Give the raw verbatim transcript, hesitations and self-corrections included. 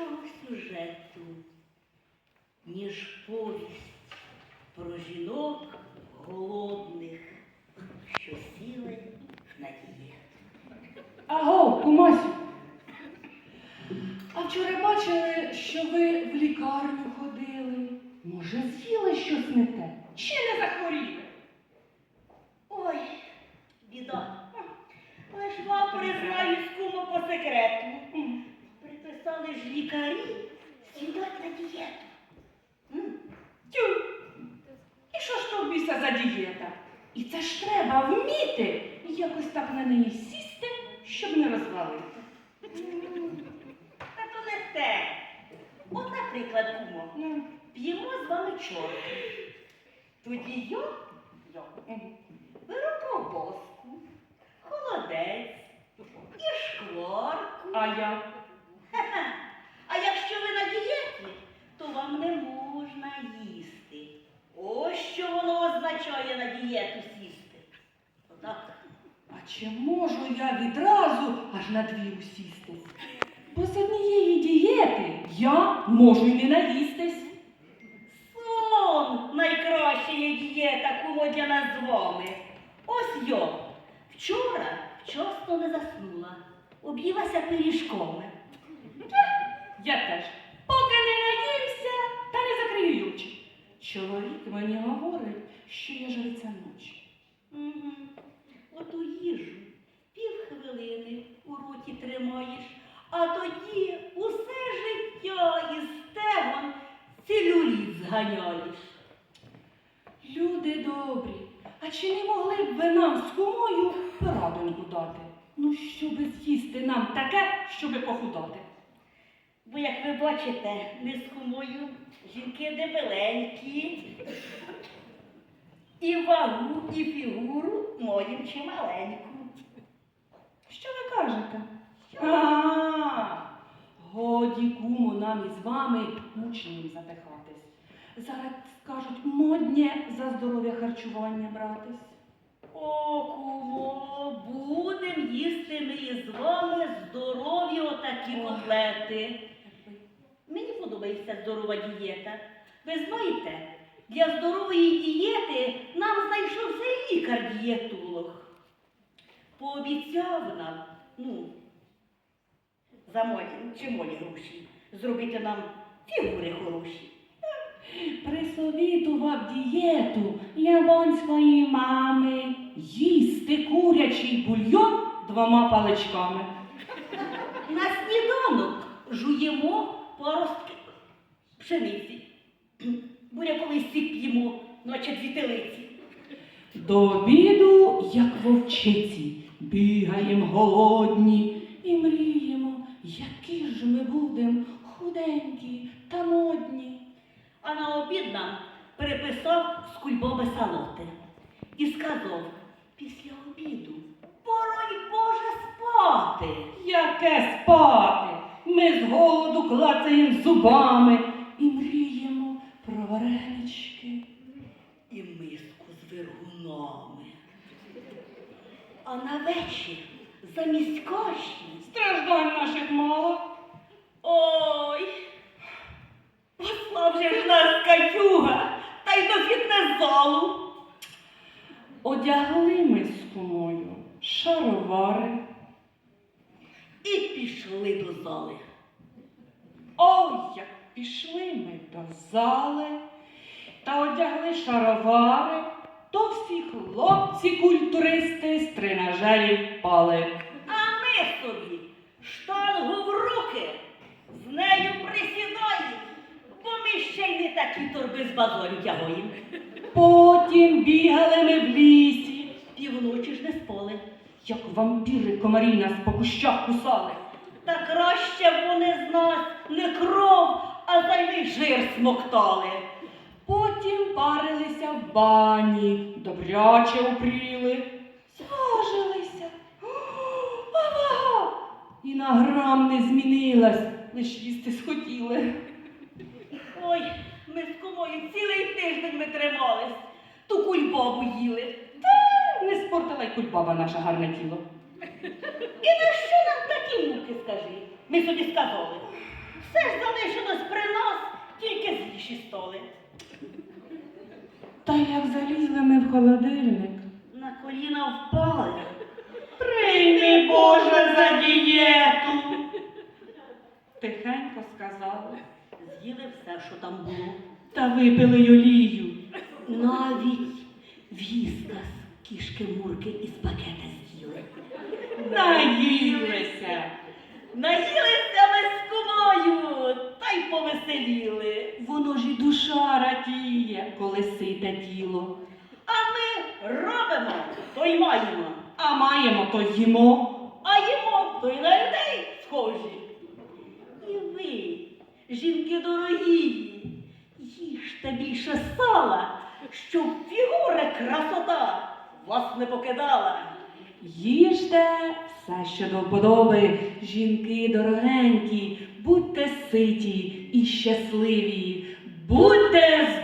іншого сюжету, ніж повість про жінок голодних, що сіли на дієту. Аго, кумасю, а вчора бачили, що ви в лікарню ходили? Може, з'їли щось не те? Чи не захворіли? Ой, біда. Але ж вам признаюсь, кумо, по секрету. Приписали ж лікарі сідати на дієту. М? Тю! І що ж то в біса за дієта? І це ж треба вміти якось так на неї сісти, щоб не розвалити. Та то не те. От, наприклад, кумо, Ну, п'ємо з вами чорти. Тоді я, я беру ковбаску, холодець і шкварку. а я? Ха-ха. А якщо ви на дієті, то вам не можна їсти. Ось що воно означає на дієту сісти. Отак. А чи можу я відразу аж на дві усістись? Бо з однієї дієти я можу й не наїстись. Сон найкраща є дієта, кумо, для нас з вами. Ось я вчора вчасно не заснула, об'їлася пиріжками. Я теж. Поки не наїмся, та не закрию юрчик. Чоловік мені говорить, що я жриця ночі. Угу. Оту їжу півхвилини у роті тримаєш, а тоді усе життя із стегон целюліт зганяєш. Люди добрі, а чи не могли б ви нам з кумою порадоньку дати? Ну, щоби з'їсти нам таке, щоби похудати. Бо, як ви бачите, ми з кумою жінки дебеленькі, і вагу, і фігуру маємо чималеньку. Що ви кажете? А, годі, кумо, нам із вами мучним задихатись. Зараз скажуть, моднє за здоров'я харчування братись. О, кумо, будем їсти ми із вами здорові отакі котлети. Мені подобається здорова дієта. Ви знаєте, для здорової дієти нам знайшовся лікар-дієтолог. Пообіцяв нам, ну, за мої, чималі гроші, зробити нам фігури хороші. Присовітував дієту японської мами їсти курячий бульйон двома паличками. На сніданок жуємо паростки пшениці. Буряковий сік п'ємо, наче дві телиці. До обіду, як вовчиці, бігаєм голодні і мріємо, які ж ми будем худенькі та модні. А на обід нам переписав з кульбоби салоти і сказав, після обіду пора й Боже спати. Яке спати? Ми з голоду клацаєм зубами і мріємо про варенички. І миску з вергунами. А на вечір замість каші, Страждань наших мало. ой, послав же ж нас катюга, та й до фітнес-залу. Одягли ми з кумою шаровари. І пішли до зали. Ой, як пішли ми до зали та одягли шаровари, то всі хлопці-культуристи з тренажерів впали. А ми собі штангу в руки, з нею присідаємо, бо ми ще й не такі торби з базарю тягуємо. Потім бігали ми в лісі, Півночі ж не спали. як вампіри комарі нас по кущах кусали. Та краще б вони з нас не кров, а зайвий жир смоктали. Потім парилися в бані, добряче упріли, зважилися. А вага і на грам не змінилась, лиш їсти схотіли. Ой, ми з кумою цілий тиждень ми тримались, ту кульбабу їли. Та не спортила й кульбаба наше гарне тіло. І на що нам такі муки, скажи? Ми собі сказали. Все ж залишилось при нас, тільки зліші столи. Та як залізли ми в холодильник. На коліна впали. Прийми, Боже, за дієту. Тихенько сказали. З'їли все, що там було. Та випили й олію. Навіть віскас кішки-мурки із пакета з'їли. Наїлися. Наїлися ми з кумою, та й повеселіли. Воно ж і душа радіє, коли сите тіло. А ми робимо, то й маємо. А маємо, то їмо. А їмо, то й на людей схожі. І ви, жінки дорогі, їжте більше сала, щоб фігура красота вас не покидала. Їжте все, що до вподоби, жінки дорогенькі, будьте ситі і щасливі, будьте здорові!